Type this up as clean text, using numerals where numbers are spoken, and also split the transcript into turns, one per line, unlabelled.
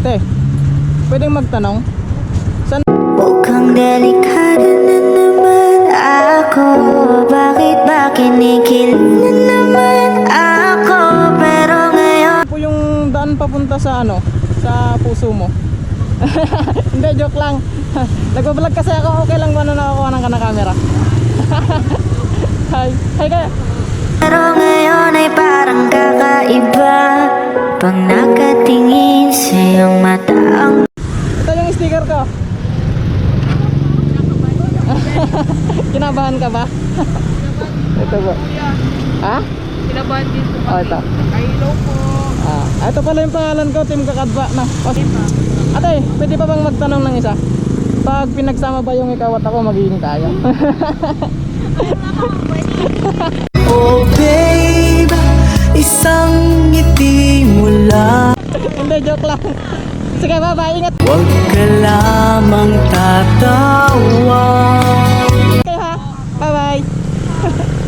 Te, pwedeng magtanong? San?
Mukhang delikado na naman ako. Bakit ba kinikilig na naman ako? Pero ngayon
Po yung daan papunta sa ano? Sa puso mo? Hindi, joke lang. Nagbablog kasi ako. Okay lang ba na nakakuha ng camera? Hi. Hi kaya.
Pero ngayon ay parang kakaiba pag nakatingin sa iyong mata ang
Ito yung sticker ko. Kinabahan ka ba? Ito ba? Ha?
Kinabahan din po
Oh, ito.
Hello po.
Ito pala yung pangalan ko, Team Kakadba na. Ate, pwede pa bang magtanong ng isa? Pag pinagsama ba yung ikaw at ako, magiging tayo?
Oh babe, isang ngiti mo lang.
Hindi, joke lang. Sige, bye-bye. Ingat
Huwag ka lamang tatawa.
kayo ha. Bye-bye.